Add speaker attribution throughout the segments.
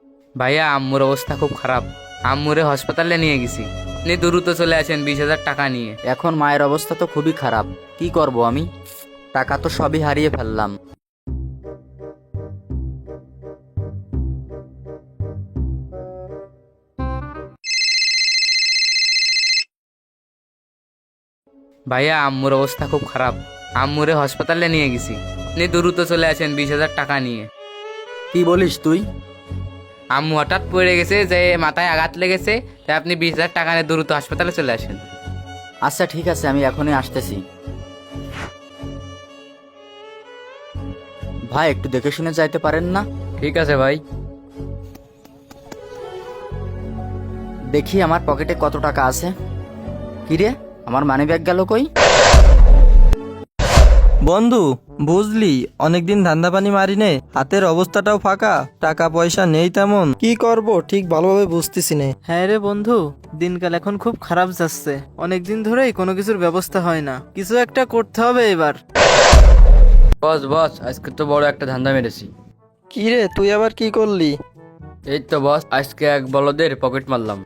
Speaker 1: ভাইয়া আম্মুর অবস্থা খুব খারাপ। আম্মুরে হাসপাতালে নিয়ে গেছি। আপনি দ্রুত চলে আসেন 20,000 টাকা নিয়ে।
Speaker 2: এখন মায়ের অবস্থা তো খুবই খারাপ, কি করব আমি? টাকা তো সবই হারিয়ে ফেললাম।
Speaker 1: ভাইয়া আম্মুর অবস্থা খুব খারাপ। আম্মুরে হাসপাতালে নিয়ে গেছি। আপনি দ্রুত চলে আসেন 20,000 টাকা নিয়ে।
Speaker 2: কি বলিস তুই?
Speaker 1: আম্মু হঠাৎ পড়ে গেছে, যে মাথায় আঘাত লেগেছে, তাই আপনি 20,000 টাকা নিয়ে দ্রুত হাসপাতালে চলে আসেন।
Speaker 2: আচ্ছা ঠিক আছে, আমি এখনই আসতেছি। ভাই একটু দেখে শুনে যাইতে পারেন না?
Speaker 1: ঠিক আছে ভাই।
Speaker 2: দেখি আমার পকেটে কত টাকা আছে। কিরে, আমার মানিব্যাগ গেল কই?
Speaker 3: বন্ধু, বুঝলি অনেকদিন ধান্দা পানি মারিনে, হাতের অবস্থাটাও ফাঁকা, টাকা পয়সা নেই তেমন, কি করব ঠিক ভালোভাবে বুঝতেছি না।
Speaker 4: হ্যাঁ রে বন্ধু, দিনকাল এখন খুব খারাপ যাচ্ছে। অনেকদিন ধরেই কোনো কিছুর ব্যবস্থা হয় না, কিছু একটা করতে হবে এবার।
Speaker 1: বস বস, আজকে তো বড় একটা ধান্দা মেরেছি।
Speaker 3: কি রে, তুই আবার কি করলি?
Speaker 1: এই তো বস, আজকে এক বলদের পকেট মারলাম।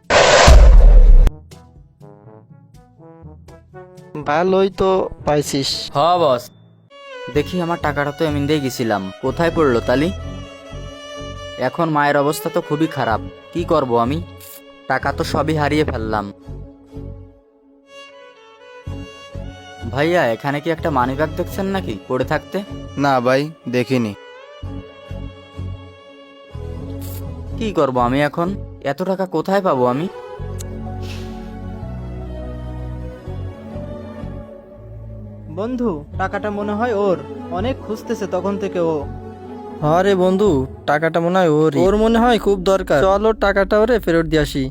Speaker 3: ভালোই তো পাইছিস।
Speaker 1: হ বস।
Speaker 2: দেখি আমার টাকাটা তো এমনি দিয়ে গেছিলাম, কোথায় পড়লো তালি? এখন মায়ের অবস্থা তো খুবই খারাপ, কি করব আমি? টাকা তো সবই হারিয়ে ফেললাম। ভাইয়া, এখানে কি একটা মানিব্যাগ দেখছেন নাকি পড়ে থাকতে?
Speaker 5: না ভাই, দেখিনি।
Speaker 2: কি করব আমি এখন? এত টাকা কোথায় পাবো আমি?
Speaker 4: বন্ধু, টাকাটা মনে হয় ওর, অনেক খুঁজতেছে তখন থেকে ও।
Speaker 3: হ্যাঁ রে বন্ধু, টাকাটা মনে হয় ওর মনে হয় খুব দরকার, চল ওর টাকাটা ওরে ফেরত দিয়ে আসি।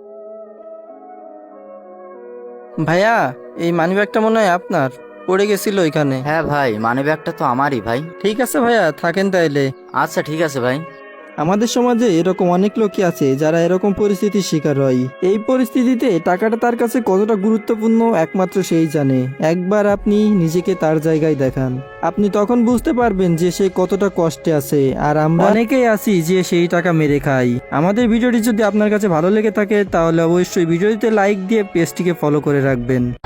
Speaker 3: ভাইয়া, এই মানিব্যাগটা মনে হয় আপনার, পড়ে গেছিল এখানে।
Speaker 2: হ্যাঁ ভাই, মানিব্যাগটা তো আমারই ভাই।
Speaker 3: ঠিক আছে ভাইয়া, থাকেন তাইলে।
Speaker 2: আচ্ছা ঠিক আছে ভাই।
Speaker 3: আমাদের সমাজে এরকম অনেক লোকই আছে যারা এরকম পরিস্থিতির শিকার হয়। এই পরিস্থিতিতে টাকাটা তার কাছে কতটা গুরুত্বপূর্ণ একমাত্র সেই জানে। একবার আপনি নিজেকে তার জায়গায় দেখান, আপনি তখন বুঝতে পারবেন যে সে কতটা কষ্টে আছে। আর আমরা অনেকেই আছি যে সেই টাকা মেরে খাই। আমাদের ভিডিওটি যদি আপনার কাছে ভালো লেগে থাকে তাহলে অবশ্যই ভিডিওটিতে লাইক দিয়ে পেজটিকে ফলো করে রাখবেন।